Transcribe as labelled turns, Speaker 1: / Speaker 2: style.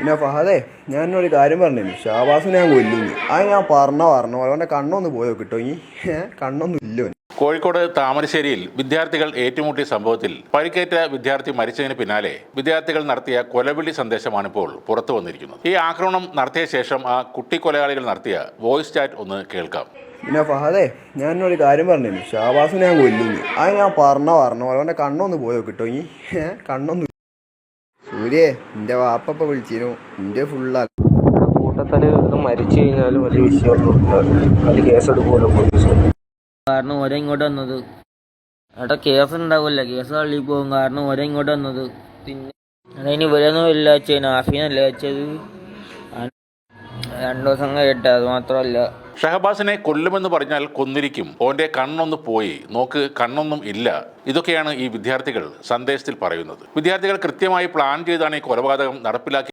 Speaker 1: പിന്നെ ഫഹദേ, ഞാനൊരു കാര്യം പറഞ്ഞു. ഷാബാസിനെ ഞാൻ കൊല്ലുന്നു. അത് ഞാൻ പറഞ്ഞു അവൻ്റെ കണ്ണൊന്ന് പോയോ കിട്ടോ? ഈ കണ്ണൊന്നും ഇല്ലോ.
Speaker 2: കോഴിക്കോട് താമരശ്ശേരിയിൽ വിദ്യാർത്ഥികൾ ഏറ്റുമുട്ടിയ സംഭവത്തിൽ പരിക്കേറ്റ വിദ്യാർത്ഥി മരിച്ചതിന് പിന്നാലെ വിദ്യാർത്ഥികൾ നടത്തിയ കൊലവിളി സന്ദേശമാണിപ്പോൾ പുറത്തു വന്നിരിക്കുന്നത്. ഈ ആക്രമണം നടത്തിയ ശേഷം ആ കുട്ടി കൊലയാളികൾ നടത്തിയ വോയിസ് ചാറ്റ് ഒന്ന് കേൾക്കാം.
Speaker 1: പിന്നെ ഫഹദേ, ഞാനൊരു കാര്യം പറഞ്ഞു. ഷാബാസിനെ ഞാൻ കൊല്ലുന്നു. അത് ഞാൻ പറഞ്ഞു അവൻ്റെ കണ്ണൊന്ന് പോയോ കിട്ടോ? ഈ കണ്ണൊന്നും. സൂര്യേ, എൻ്റെ വാപ്പ വിളിച്ചിരുന്നു. എൻ്റെ ഫുള്ളാ
Speaker 3: കൂട്ടത്തല് മരിച്ചു കഴിഞ്ഞാലും വലിയ വിഷയമൊന്നും അത് കേസെടുക്കുമല്ലോ പോലീസ്.
Speaker 4: കാരണം ഓരോ ഇങ്ങോട്ട് വന്നത് അവിടെ കേസ് ഉണ്ടാവില്ല, കേസ് തള്ളി പോകും. കാരണം ഓരോ ഇങ്ങോട്ട് വന്നത്. പിന്നെ അതിന് ഇവരൊന്നും ഇല്ല വെച്ചാൽ നാഫീനല്ല വെച്ചത്. 2 ദിവസം കഴിയട്ടെ. അത് മാത്രമല്ല,
Speaker 2: ഷഹബാസിനെ കൊല്ലുമെന്ന് പറഞ്ഞാൽ കൊന്നിരിക്കും, ഓന്റെ കണ്ണൊന്ന് പോയി നോക്ക്, കണ്ണൊന്നും ഇല്ല. ഇതൊക്കെയാണ് ഈ വിദ്യാർത്ഥികൾ സന്ദേശത്തിൽ പറയുന്നത്. വിദ്യാർത്ഥികൾ കൃത്യമായി പ്ലാൻ ചെയ്താണ് ഈ കൊലപാതകം നടപ്പിലാക്കി